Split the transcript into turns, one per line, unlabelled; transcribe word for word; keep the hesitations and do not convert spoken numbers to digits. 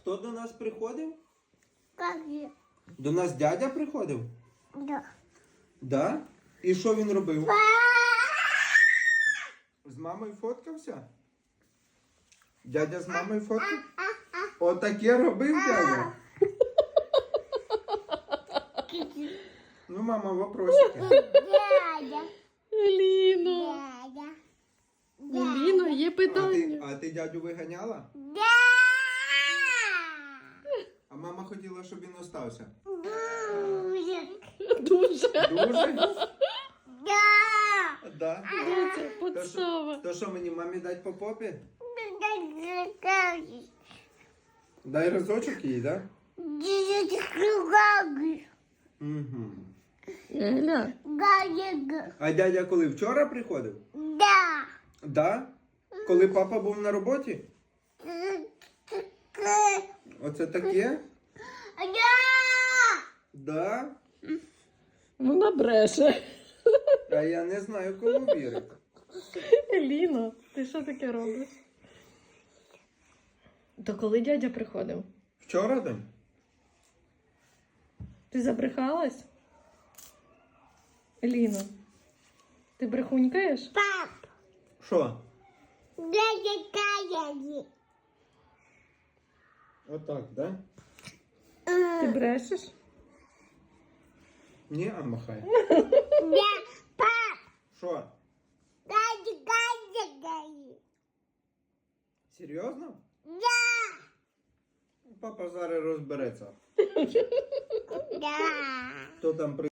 хто до нас приходив?
Как же?
До нас дядя приходив?
Да.
Да? І що він робив? З мамою фоткався? Дядя з мамою фоткав? Отаке робив дядя? Ну, мама, вопросики.
Дядя.
Еліно.
Дядя.
Еліно, є
А ти,
питання.
а ти дядю виганяла?
Да.
А мама хотіла, щоб він остався.
Будет.
Дуже.
Дуже?
Да.
Да.
Доця,
То що,
подстава.
то що мені мамі дать по попі?
Да.
Дай разочок їй, так?
Да.
Угу.
Еля,
Да.
А дядя коли? Вчора приходив?
Да.
Да? Коли папа був на роботі? Оце таке?
Да.
Да?
вона бреше.
А я не знаю, кому вірити.
Еліно, ти що таке робиш? То коли дядя приходив?
Вчора там?
Ти забрехалась? Еліно, ти брехунькаєш?
Пап.
Що?
Дядя Каяни.
Отак, да?
Ти брешеш?
Ні, а махай.
Да. Пап.
Що?
Дядя Каяни.
Серйозно?
Да.
Папа зараз розбереться.
Да.
Хто там при...